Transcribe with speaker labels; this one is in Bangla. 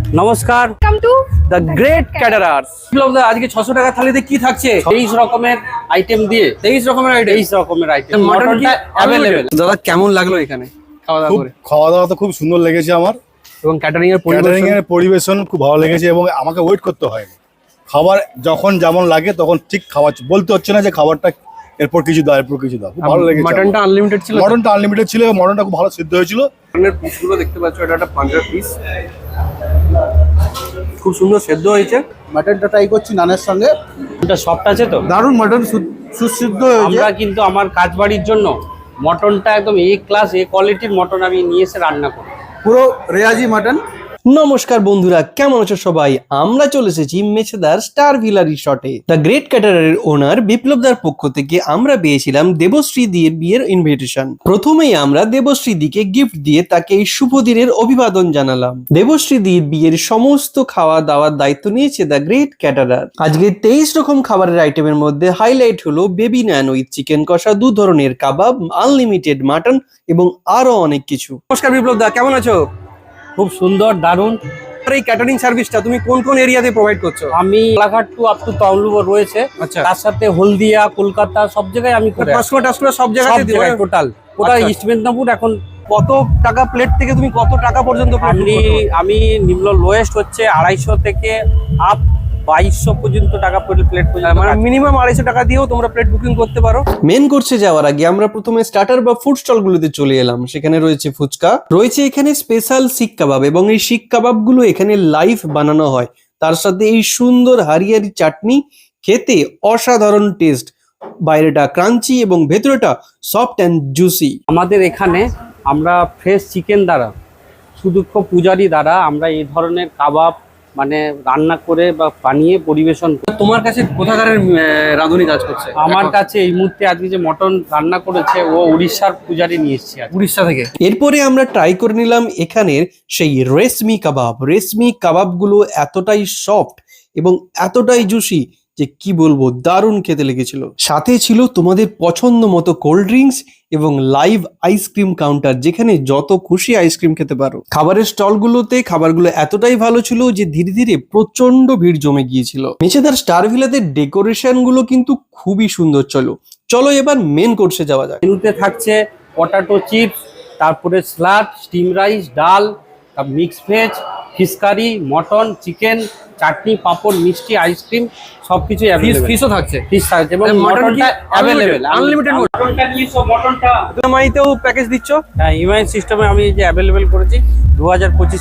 Speaker 1: নমস্কার,
Speaker 2: Welcome to
Speaker 1: the great caterers. আজকে 600 টাকা থালিতে কি থাকছে? 23 রকমের আইটেম দিয়ে 23 রকমের আইটেম মটনটা अवेलेबल। দাদা কেমন লাগলো এখানে খাওয়া দাওয়া করে?
Speaker 3: খাওয়া দাওয়া তো খুব সুন্দর লেগেছে আমার,
Speaker 1: এবং ক্যাটারিং এর
Speaker 3: পরিবেশন খুব ভালো লেগেছে এবং আমাকে ওয়েট করতে হয়নি। খাবার যখন যেমন লাগে তখন ঠিক খাওয়া বলতে হচ্ছে না যে খাবারটা এরপর কিছু দাও এরপর কিছু দাও। খুব ভালো লেগেছে।
Speaker 1: মটনটা আনলিমিটেড ছিল,
Speaker 3: মটনটা আনলিমিটেড ছিল এবং মটনটা খুব ভালো সিদ্ধ হয়েছিল।
Speaker 1: মটনের পিসগুলো দেখতে পাচ্ছ, এটা একটা পাঞ্জাব পিস, খুব সুন্দর সেদ্ধ হয়েছে।
Speaker 4: মাটনটা ট্রাই করছি নানের সঙ্গে,
Speaker 1: এটা সফট আছে তো,
Speaker 4: দারুণ মাটন, সুসিদ্ধ হয়েছে।
Speaker 1: আমরা কিন্তু আমার কাজ বাড়ির জন্য মটনটা একদম এ ক্লাস এ কোয়ালিটির মটন আমি নিয়ে এসে রান্না করি।
Speaker 4: পুরো রেয়াজি মাটন।
Speaker 5: নমস্কার বন্ধুরা, কেমন আছো সবাই? আমরা চলে এসেছি মেছেদার স্টার ভিলা রিসর্টে। দ্য গ্রেট ক্যাটারারের ওনার বিপ্লবদার পক্ষ থেকে আমরা পেয়েছিলাম দেবশ্রী দির বিয়ের ইনভিটেশন। প্রথমেই আমরা দেবশ্রী দিকে গিফট দিয়ে তাকে এই শুভ দিনের অভিবাদন জানালাম। দেবশ্রী দির বিয়ের সমস্ত খাওয়া দাওয়ার দায়িত্ব নিয়েছে দ্য গ্রেট ক্যাটারার। আজকে 23 রকম খাবারের আইটেমের মধ্যে হাইলাইট হলো বেবি নান উইথ চিকেন কষা, 2 ধরনের কাবাব, আনলিমিটেড মাটন এবং আরো অনেক কিছু।
Speaker 1: নমস্কার বিপ্লবদা, কেমন আছো? খুব সুন্দর, দারুণ। এই ক্যাটারিং সার্ভিসটা তুমি কোন কোন এরিয়াতে প্রোভাইড করছো? আমি Kolaghat to up to Tamluk রয়েছে,
Speaker 5: আচ্ছা।
Speaker 1: তার সাথে হলদিয়া, কলকাতা সব জায়গায় আমি করে
Speaker 5: সব জায়গাতে
Speaker 1: টোটাল
Speaker 5: আচ্ছা।
Speaker 1: ইস্ট মেদিনীপুর। এখন
Speaker 5: কত টাকা প্লেট থেকে তুমি কত টাকা পর্যন্ত
Speaker 1: আমি নিম্ন লোয়েস্ট হচ্ছে 250 থেকে আপ 2200 পর্যন্ত টাকা প্লেট পর্যন্ত,
Speaker 5: মানে মিনিমাম 250 টাকা দিয়েও তোমরা প্লেট বুকিং করতে পারো। মেন কোর্সে যাওয়ার আগে আমরা প্রথমে স্টার্টার বা ফুড স্টল গুলোতে চলে এলাম। সেখানে রয়েছে ফুচকা, রয়েছে এখানে স্পেশাল শিক কাবাব, এবং এই শিক কাবাব গুলো এখানে লাইভ বানানো হয়। তার সাথে এই সুন্দর হারিয়ারি চাটনি, খেতে অসাধারণ টেস্ট, বাইরেটা ক্রাঞ্চি এবং ভেতরেটা সফট অ্যান্ড জুসি।
Speaker 1: আমাদের এখানে আমরা ফ্রেশ চিকেন দ্বারা, সুদক্ষ পূজারি দ্বারা আমরা এই ধরনের কাবাব মানে রান্না করে বা বানিয়ে পরিবেশন করি।
Speaker 5: তোমার কাছে কোথাকার রাঁধুনি কাজ করছে?
Speaker 1: আমার কাছে এই মুহূর্তে আজকে যে মটন রান্না করেছে ও উড়িষ্যার পূজারি নিয়ে এসেছে,
Speaker 5: উড়িষ্যা থেকে। এরপরে আমরা ট্রাই করে নিলাম এখানের সেই রেশমি কাবাব। রেশমি কাবাবগুলো এতটাই সফট এবং এতটাই জুসি যে কি বলবো, দারুণ খেতে লেগেছিল। সাথে ছিল তোমাদের পছন্দ মতো কোল্ড ড্রিঙ্কস এবং লাইভ আইসক্রিম কাউন্টার, যেখানে যত খুশি আইসক্রিম খেতে পারো। খাবারের স্টলগুলোতে খাবারগুলো এতটাই ভালো ছিল যে ধীরে ধীরে প্রচন্ড ভিড় জমে গিয়েছিল। মেছেদার স্টার ভিলাতে ডেকোরেশন গুলো কিন্তু খুবই সুন্দর। চলো এবার মেন কোর্সে যাওয়া যায়।
Speaker 1: মেনুতে থাকছে পটাটো চিপস, তারপরে স্যালাড, স্টিম রাইস, ডাল, mix veg, fish curry, mutton, chicken, chutney, papad, মিষ্টি, আইসক্রিম সবকিছু
Speaker 5: ফিশও থাকছে,
Speaker 1: ফিশ থাকছে এবং মটনটা অ্যাভেলেবেল,
Speaker 5: আনলিমিটেড।
Speaker 1: মটনটা নিয়ে মটনটা
Speaker 5: ইএমআইতেও প্যাকেজ দিচ্ছ?
Speaker 1: হ্যাঁ, ইএমআই সিস্টেমে আমি যে অ্যাভেলেবেল করেছি 2025